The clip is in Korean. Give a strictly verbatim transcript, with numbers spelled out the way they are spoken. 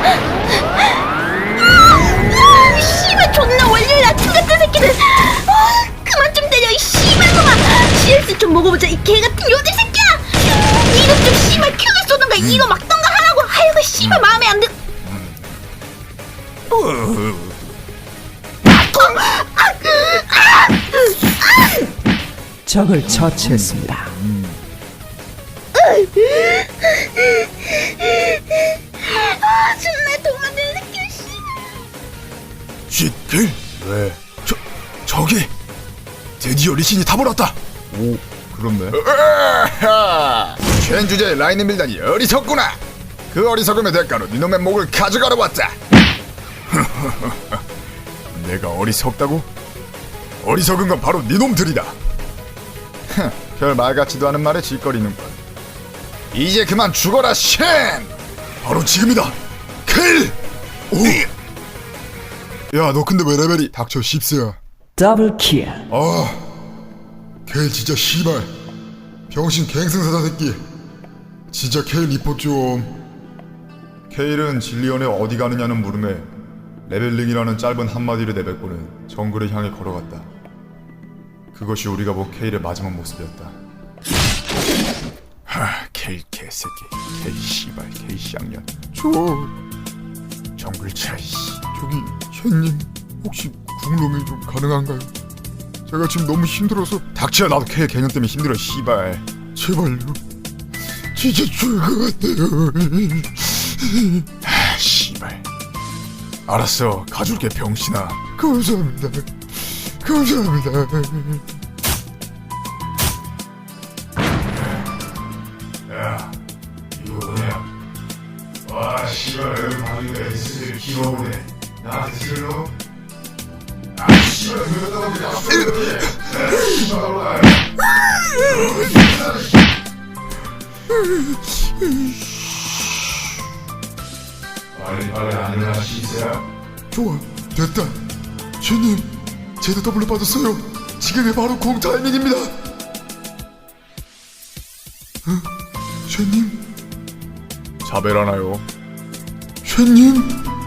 아, 씨발 존나 원리를 낮춘 같은 새끼들. 아, 그만 좀 때려 이 씨발놈아. 씨엘씨 좀 먹어보자 이 개같은 요들 새끼야. 이놈 좀 씨발 큐를 쏘던가 이거 막던가 하라고. 아이고 씨발 마음에 안 들. 적을 처치했습니다. 아 존나 도망들 새끼 씨. 쉿길? 왜? 저, 저기! 드디어 리신이 타버렸다! 오, 그렇네. 쉔 주제에 라인을 밀다니 어리석구나! 그 어리석음의 대가로 니놈의 목을 가져가러 왔다! 내가 어리석다고? 어리석은 건 바로 니놈들이다! 별 말 같지도 않은 말에 짓거리는군. 이제 그만 죽어라, 쉔! 바로 지금이다! 킬! 오! 야, 너 근데 왜 레벨이 닥쳐 십세야? 더블 킬. 아, 케일 진짜 씨발 병신 갱승사자 새끼. 진짜 케일 리포 좀. 케일은 진리언에 어디 가느냐는 물음에 레벨링이라는 짧은 한마디를 내뱉고는 정글을 향해 걸어갔다. 그것이 우리가 본 케일의 마지막 모습이었다. 하, 케일 개새끼, 케일 씨발, 케일 쌍년. 저 정글 차이씨. 저기 쉔님 혹시 궁로밍 좀 가능한가요? 제가 지금 너무 힘들어서. 닥쳐, 나도 케일 개념 때문에 힘들어 씨발. 제발요, 진짜 죽을 것 같아요. 하, 씨발. 알았어, 가줄게 병신아. 감사합니다, 감사합니다. 야, 이거 뭐냐? 와, 씨발, 여기 방위가 에스를 키워보네. 나한테 슬로? 아, 씨발, 그러다가 그냥 씨발, 빨리 빨리 안 일어나, 시세야. 좋아, 됐다. 쉔님, 제드 더블로 받았어요. 지금이 바로 공 타이밍입니다. 어? 쉔님? 자벨하나요? 쉔님?